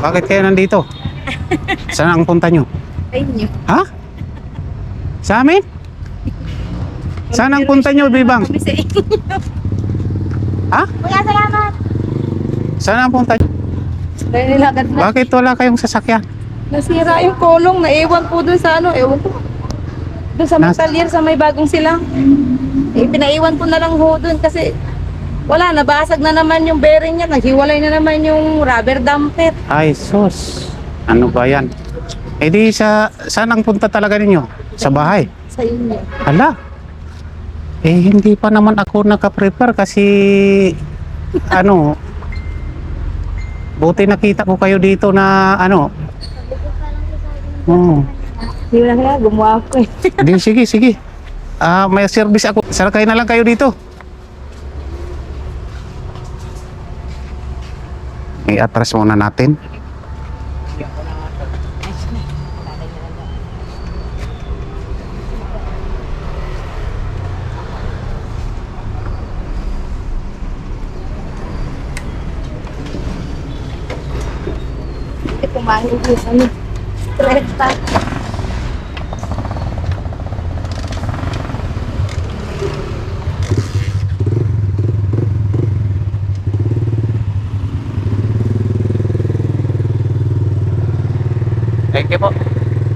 Bakit kayo nandito? Saan ang punta nyo? Sa inyo. Ha? Sa amin? Saan ang punta nyo, Bibang? Kami sa inyo. Ha? Kuya, salamat. Saan ang punta nyo? Dahil nilagad na. Bakit wala kayong sasakyan? Nasira yung kolong. Naiwan po dun sa ano. Ewan ko. Doon sa Montalier, sa may bagong silang. Eh, pinaiwan ko na lang ho dun kasi wala, nabasag na naman yung bearing niya. Naghiwalay na naman yung rubber damper. Ay, sus. Ano ba yan? Eh di saan ang punta talaga ninyo? Sa bahay? Sa inyo. Hala. Eh hindi pa naman ako naka-prepare kasi ano, buti nakita ko kayo dito na ano. Hindi mo na kaya, gumawa ko eh. Di, sige. May service ako. Sakay na lang kayo dito. I-atras muna natin. Kumain ko ano. Stress pa. Thank you po.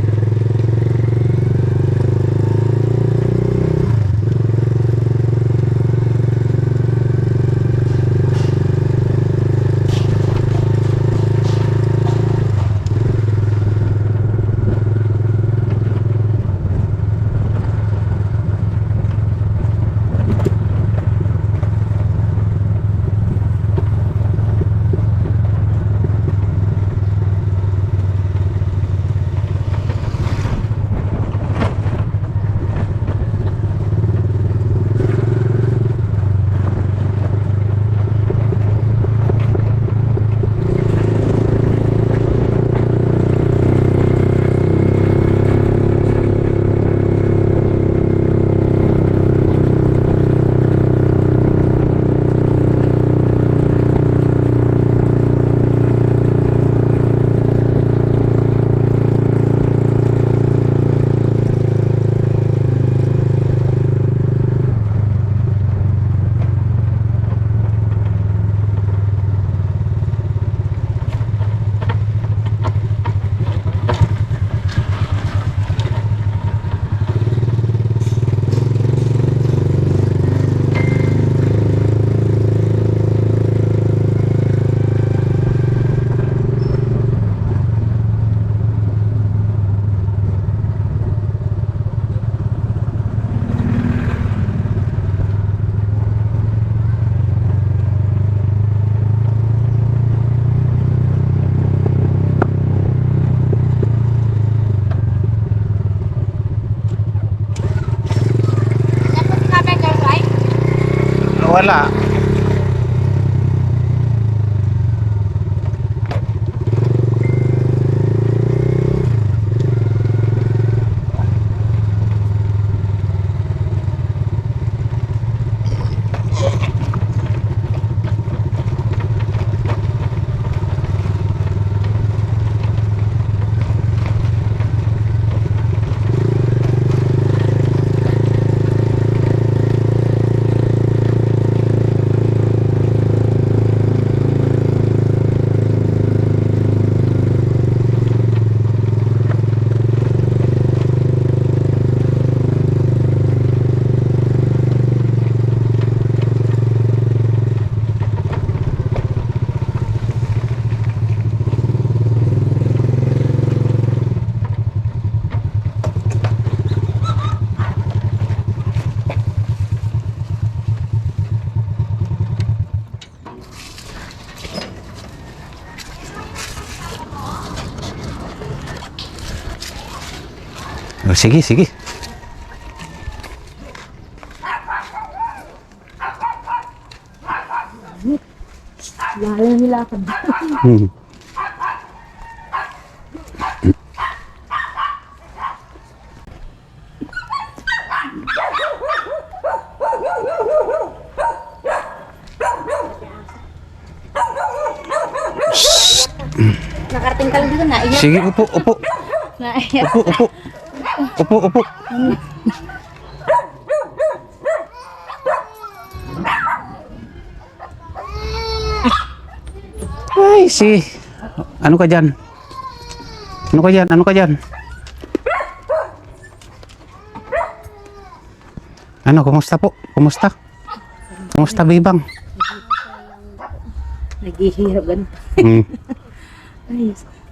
Wala. Oh, sige. Lalo nilakad. Hmm. Nakarating ka lang dito, naiyak. Sige, upo. Naiyak. Upo. Ay, ano ka dyan? Ano ka dyan? Ano, kumusta po? Kumusta? Kumusta, Bibang? Naghihirap ganun. Hmm. Ay.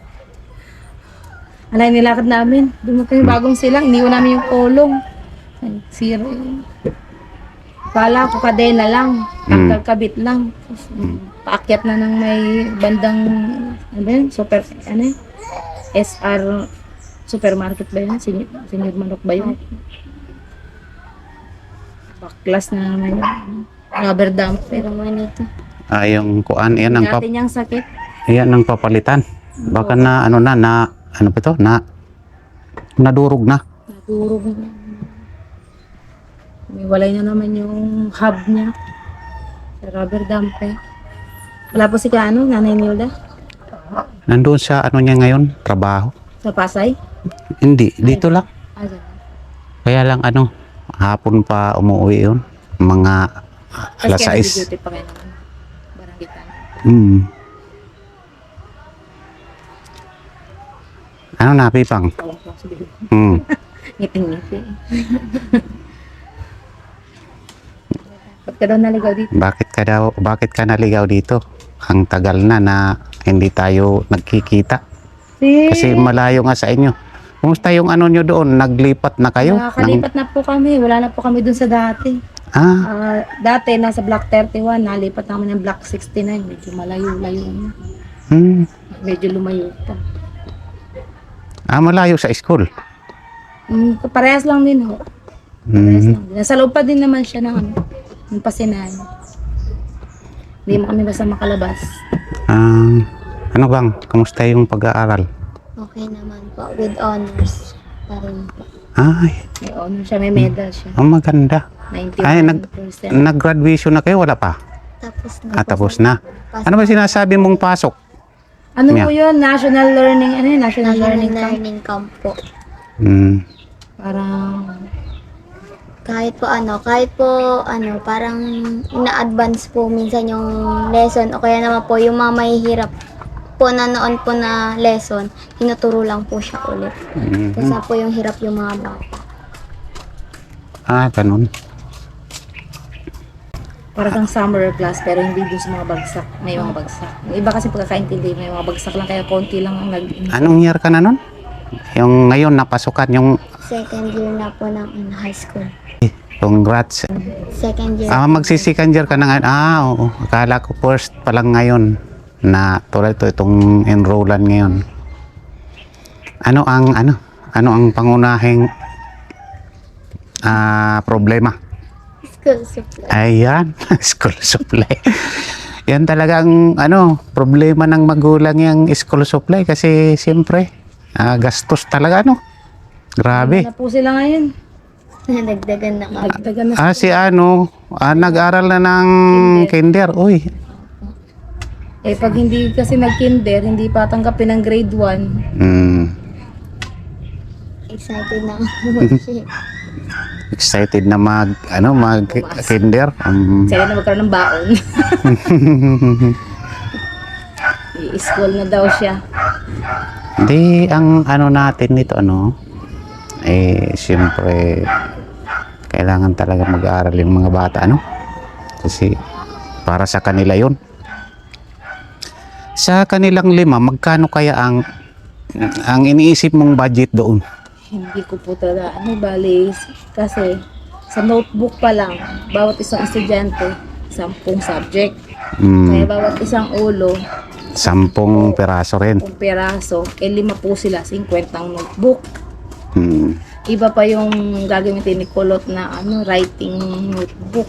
Alay nilakad namin. Dumating yung bagong silang. Iniwan namin yung kulong. Ay, zero yun. Kala ko kadena lang. Kabit lang. Paakyat na ng may bandang ano ba yun? SR supermarket ba yun? Senior Manok ba yun? Baklas na naman yun. Rubber dump. Pero manito. Yung kuan, yan ang Natin niyang sakit. yan ang papalitan. Baka na ano ba ito? Nadurog na. Naturog na. May walay na naman yung hub niya. Sa rubber dump eh. Wala po si Nanay Nilda? Nandoon sa ano niya ngayon, trabaho. Sa Pasay? Hindi, dito lang. Saan? Kaya lang hapon pa umuwi yun. Mga alas Kasi 6. duty pa kayo naman. Barangay Tanay. Ano na, Pipang? Tawag ko sabihin. Ngiting-ngiti. Ba't ka daw naligaw dito? Bakit ka naligaw dito? Ang tagal na hindi tayo nagkikita. Kasi malayo nga sa inyo. Kumusta yung ano nyo doon? Naglipat na kayo? Nakakalipat na po kami. Wala na po kami dun sa dati. Dati nasa Block 31. Nalipat namin ng Block 69. Medyo malayo-layo na. Medyo lumayo pa. Malayo sa school. Parehas lang din ho. Parehas lang din. Nasa loob pa din naman siya ng pasinahan. Hindi mo kami basta makalabas. Ano bang? Kamusta yung pag-aaral? Okay naman po, with honors pa rin po. Ay, May honor siya, may medal siya. ang maganda. 91%. Ay, nag-graduation na kayo? Wala pa? Tapos na. Tapos na. Ano ba sinasabi mong pasok? Ano Yeah. po yun? National Learning, National Learning Camp. Learning camp po. Parang, Kahit po parang ina-advance po minsan yung lesson o kaya naman po yung mga mahihirap po na noon po na lesson, tinuturo lang po siya ulit. Kasi po yung hirap yung mga bata. Ganun. parang summer class pero hindi dun sa mga bagsak. May mga bagsak. Yung iba kasi pagkakaintindi, may mga bagsak lang kaya konti lang ang Anong year ka na nun? Yung ngayon napasukan, yung Second year na po ng high school. congrats. Second year. Magsi-second year ka na ngayon. Oo. Akala ko first pa lang ngayon na tulad itong enrollan ngayon. Ano ang pangunahing problema? School supply. Ayan, school supply. Yan talagang problema ng magulang yung school supply kasi siyempre gastos talaga Grabe. na po sila ngayon. Nadagdagan na kami. Dagdagan na Si nag-aral na ng kinder. Uy, pag hindi kasi nag-kinder, hindi pa tanggapin ng grade 1. Excited na ako. excited na mag-kinder. Sila na magkaroon ng baon. I-school na daw siya. Hindi, ang natin nito, siyempre, kailangan talaga mag-aaral yung mga bata, Kasi, para sa kanila yon. Sa kanilang 5, magkano kaya ang iniisip mong budget doon? Hindi ko po talaga, bali, kasi sa notebook pa lang, bawat isang estudyante, 10 subject. Kaya bawat isang ulo, 10 peraso rin. 10 peraso, 5 po sila, 50 ang notebook. Iba pa yung gagamitin ni Kulot na writing notebook.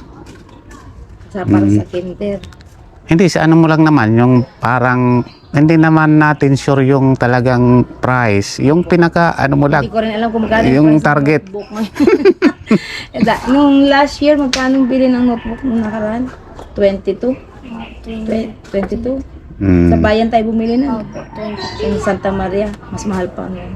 Para sa kinder. Hindi, sa mo lang naman, yung parang, hindi naman natin sure yung talagang price. Yung pinaka, mo lang, Hindi ko rin alam kung magkano yung price ng target. notebook ngayon. Nung last year, magkano bili ng notebook nung nakaraan? 22? 22? Mm. Sa bayan tayo bumili na. Opo, 20. Sa Santa Maria, mas mahal pa ngayon.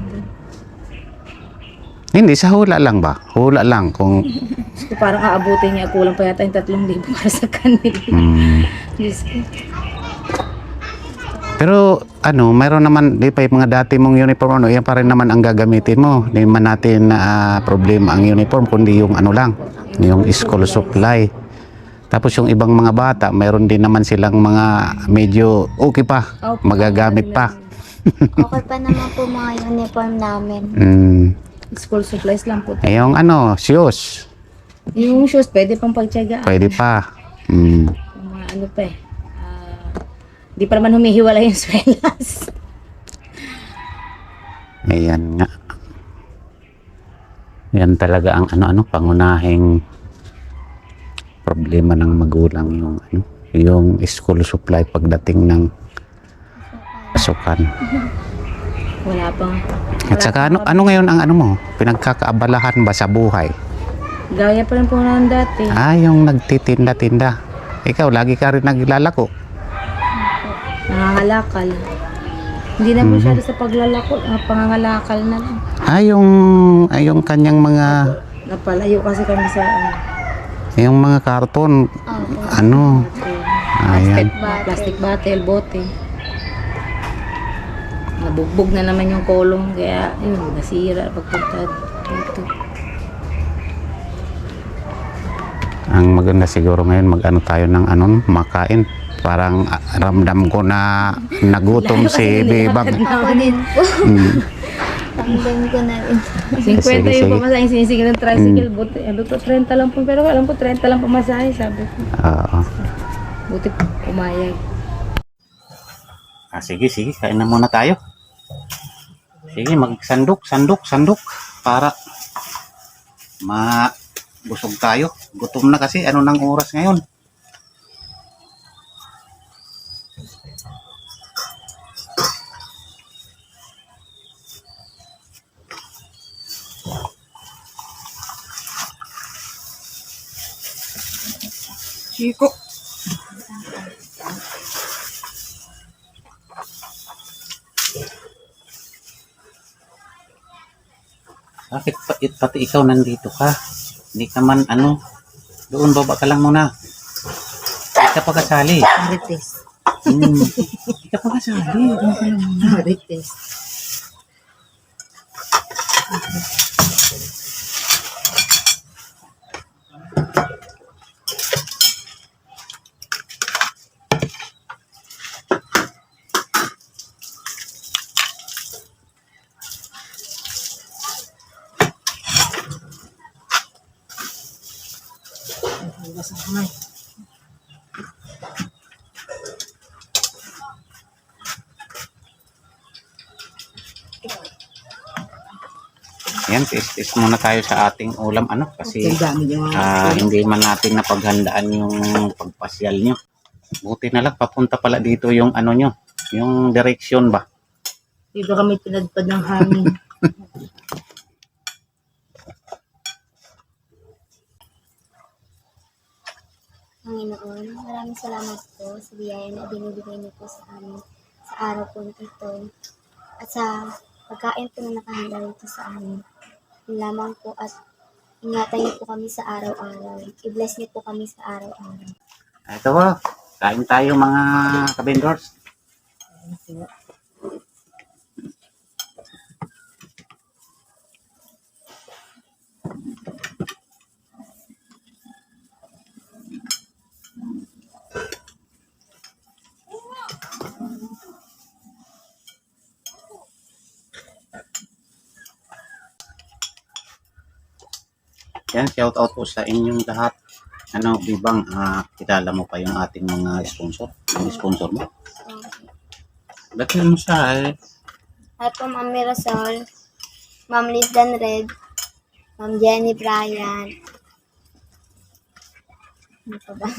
Hindi, sa hula lang ba? Hula lang kung... So, parang aabutin niya, kulang pa yata yung 3,000 para sa kanila. Mm. Diyos ko. Pero ano, mayroon naman, di pa yung mga dati mong uniform, ano, yan pa rin naman ang gagamitin mo. Hindi man natin na problema ang uniform, kundi yung ano lang, yung school supply. Tapos yung ibang mga bata, mayroon din naman silang mga medyo okay pa, Opo. magagamit pa. Okay pa naman po mga uniform namin. Mm. School supplies lang po. Eh, yung ano, shoes, Yung shoes, pwede pang pagtyagaan. pwede pa. Mm. Yung mga ano pa eh. Di pa naman humihiwala yung swelas. Ayan nga. Yan talaga ang ano-ano, pangunahing problema ng magulang yung ano, yung school supply pagdating ng pasukan. Wala pang. At saka ano ngayon ang ano mo, pinagkakaabalahan ba sa buhay? Gaya pa rin po na dati. Yung nagtitinda-tinda. Ikaw, lagi ka rin naglalako. Nangangalakal. Hindi na masyado sa paglalako. Pangangalakal na lang. Yung kanyang mga, Napalayo kasi kami sa yung mga karton, Opo. ano, ayan. plastic bottle, bote. Nabugbog na naman yung kolong. Kaya yun, nasira pagpunta dito. Ang maganda siguro ngayon, mag-ano tayo ng ano, makain. Parang ramdam ko na nagutom si Bebang. Ako din po. Mm. Tandem ko na rin. 50 Sige, yung sige. pamasahe, sinisigil ng tricycle. Buti, ano to, 30 lang po. Pero alam ko, 30 lang pamasahe, sabi ko. Oo. Buti pumayag. Sige, kain na muna tayo. Sige, magsandok para mabusog tayo. Gutom na kasi, ano nang oras ngayon? Chico. Bakit pati ikaw nandito ka? Hindi ka man ano, doon baba ka lang muna. Hindi ka pa kasali. Marites. Hindi ka pa kasali. Doon ka lang muna. Marites. Yan, tis muna tayo sa ating ulam ano kasi Ang dami yung hindi man natin napaghandaan yung pagpasyal nyo. Buti na lang papunta pala dito yung ano nyo, yung direksyon ba? dito kami pinadpad ng hangin. Panginoon, maraming salamat po sa biyaya na binibigay niyo po sa amin sa araw po na ito at sa pagkain po na nakahanda rito sa amin. Yun lamang po at ingatan niyo po kami sa araw-araw. I-bless niyo po kami sa araw-araw. Ito po, kain tayo mga kabendors. Yan, shout out po sa inyong lahat. Ano, Bibang, kilala mo pa yung ating mga sponsor? Yung sponsor mo? Dati mo siya eh. Hi po, Ma'am Mirasol, Ma'am Liz Dan Red, Ma'am Jenny Bryan. Ano pa ba?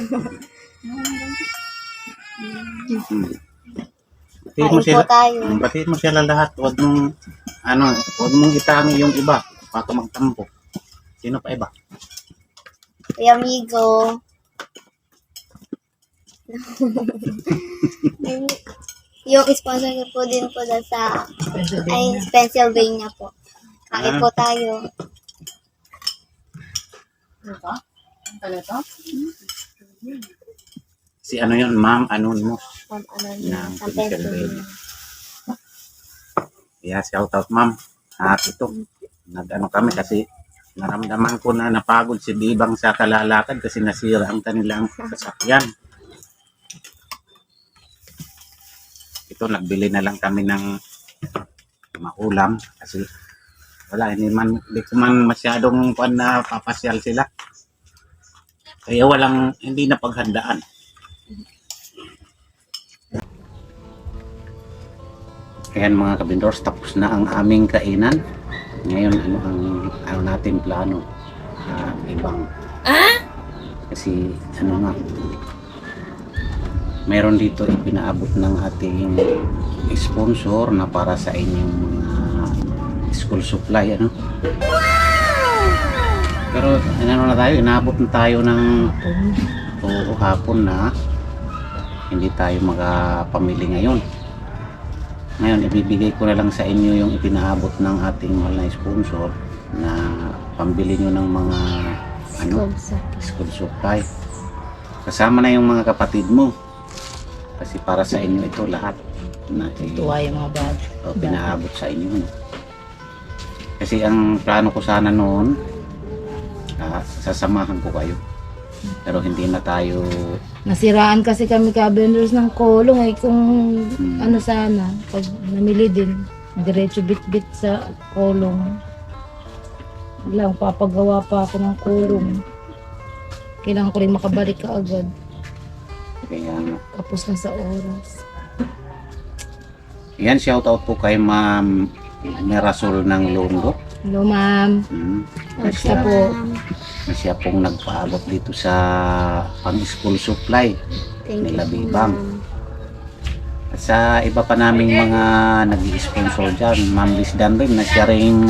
Batiin mo Kain sila. po tayo. Batiin mo sila lahat. Huwag mong itangi yung iba. Baka magtampo. Sino pa iba? Kuya Amigo, Yung sponsor niyo po din po dun sa Pennsylvania po. Kain po tayo. Si ano yun, ma'am, ano mo? From ano Ng sa Pennsylvania. Pennsylvania. Yeah, shout out ma'am. At ito, nag-ano kami kasi naramdaman ko na napagod si Bibang sa kalalakad kasi nasira ang kanilang sasakyan. Ito, nagbili na lang kami ng maulam kasi wala, hindi ko man masyadong na papasyal sila. Kaya hindi na paghandaan. Ayan mga kabindors, tapos na ang aming kainan. Ngayon, ano natin plano? Ibang. Kasi, nga, meron dito ipinaabot ng ating sponsor na para sa inyong mga school supply, ano? Pero, inaabot na tayo ng hapon na hindi tayo makapamili ngayon. Ngayon, ibibigay ko na lang sa inyo yung ipinaabot ng ating mahal na sponsor na pambili nyo ng mga school supply. Kasama na yung mga kapatid mo. Kasi para sa inyo ito lahat. Tuwa yung mga bag. Pinaabot sa inyo. No? Kasi ang plano ko sana noon, sasamahan ko kayo. Pero hindi na tayo. Nasiraan kasi kami ka-vendors ng kolong eh. Kung ano sana, pag namili din, diretso bit-bit sa kolong. Lang, papagawa pa ako ng kolong. Kailangan ko rin makabalik ka agad. Kaya nga. Tapos na sa oras. Yan, shoutout po kay Ma'am Merasol ng Longo. Hello, ma'am. Basta po. Na siya pong nagpaabot dito sa pang-school supply nila Bibang. At sa iba pa naming mga nag-i-sponsor dyan, Ma'am Liz Dan rin na siya rin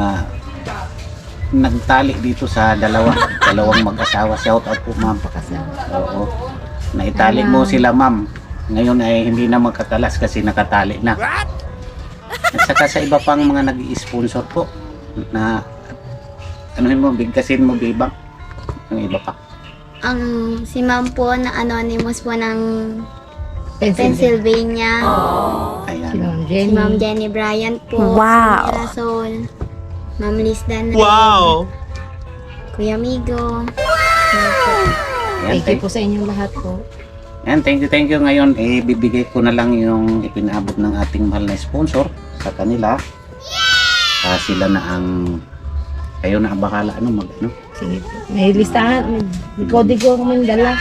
nagtali dito sa dalawang mag-asawa. Shout out po ma'am. Oo. Naitali mo sila ma'am. Ngayon ay hindi na magkakalas kasi nakatali na. At saka sa iba pang mga nag-i-sponsor po na bigkasin mo Bibang. Yung iba pa. Ang si ma'am po na anonymous po ng Pennsylvania. Ayan. Si Ma'am Jenny Bryant po. Wow. Ma'am Rasol. Ma'am Liz Dan. Wow! Kuya Migo. Ayan, Thank you po sa inyong lahat po. Ayan, thank you. Ngayon, bibigay ko na lang yung ipinaabot ng ating mahal na sponsor sa kanila. Sila na kayo na ang bahala, Sige po. May listahan, may kodigo kami dala.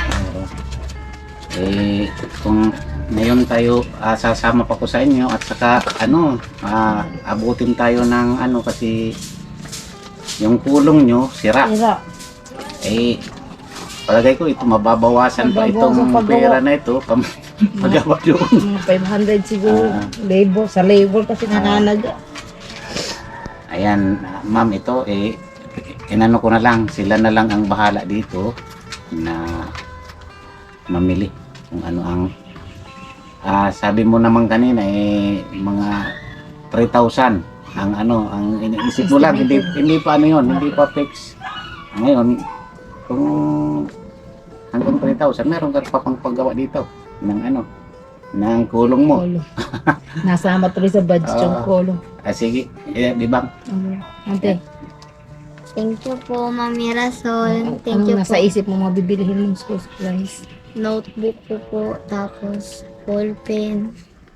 Kung ngayon tayo, sasama pa ko sa inyo at saka, abutin tayo ng kasi yung kulong nyo, sira. Palagay ko ito, mababawasan pa itong pera na ito, magawa doon. Mga 500 siguro, labor, sa labor kasi nananaga. Ayan, ma'am, ito inano ko na lang, sila na lang ang bahala dito na mamili kung ano ang sabi mo naman kanina mga 3,000 ang iniisip mo lang, hindi pa hindi pa fix. Ngayon, kung hanggang 3,000 meron ka pa pang paggawa dito ng kulong mo. Nasama tuloy sa budget yung kolong. Sige, Bibang. Ante, Thank you po, Ma'am Mirasol. Thank ano you nasa po. isip mo mga bibilihin mong school supplies? Notebook po. Tapos, ball pen.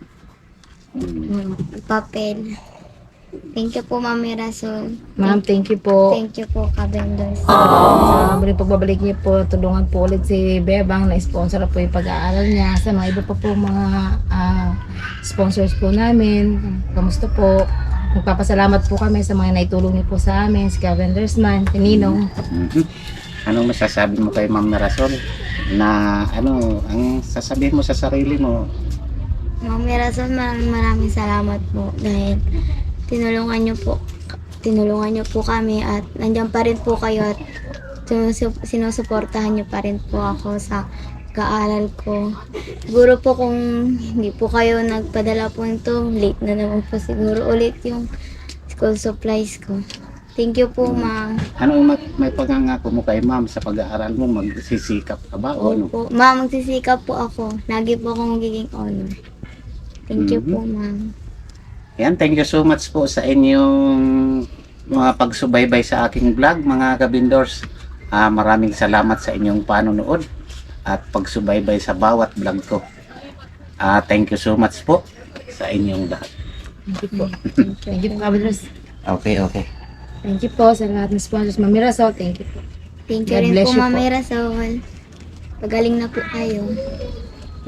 Papel. Thank you po, Ma'am Mirasol. Ma'am, thank you po. Thank you po, ka-vendors. Sa pagbabalik niyo po, tulungan po ulit si Bebang na sponsor na po yung pag-aaral niya. Sa mga iba pa po mga sponsors po namin. Kamusta po? Magpapasalamat po kami sa mga naitulong niyo po sa amin, si Ka-vendors man, si Ninong. Anong masasabi mo kay Ma'am Mirasol na ang sasabihin mo sa sarili mo? Ma'am Mirasol, maraming salamat po dahil tinulungan niyo po kami at nandiyan pa rin po kayo at sinusuportahan niyo pa rin po ako sa pag-aaral ko. Siguro po kung hindi po kayo nagpadala po nito, late na naman po siguro ulit yung school supplies ko. Thank you po, ma'am. Ano yung may pangangako mo kay ma'am sa pag-aaral mo? Magsisikap ka ba o ano? Opo. Ma'am, magsisikap po ako. Lagi po akong magiging honor. Thank you po, ma'am. Yan, thank you so much po sa inyong mga pagsubaybay sa aking vlog, mga kabindors. Maraming salamat sa inyong panonood at pagsubaybay sa bawat vlog ko. Thank you so much po sa inyong lahat. Thank you po. Thank you po, Kabindors. Okay, okay. Thank you po sa lahat ng sponsors. Mami Rasol, thank you po. Thank you God rin bless po, you Ma'am po. Mirasol. Pagaling na po kayo.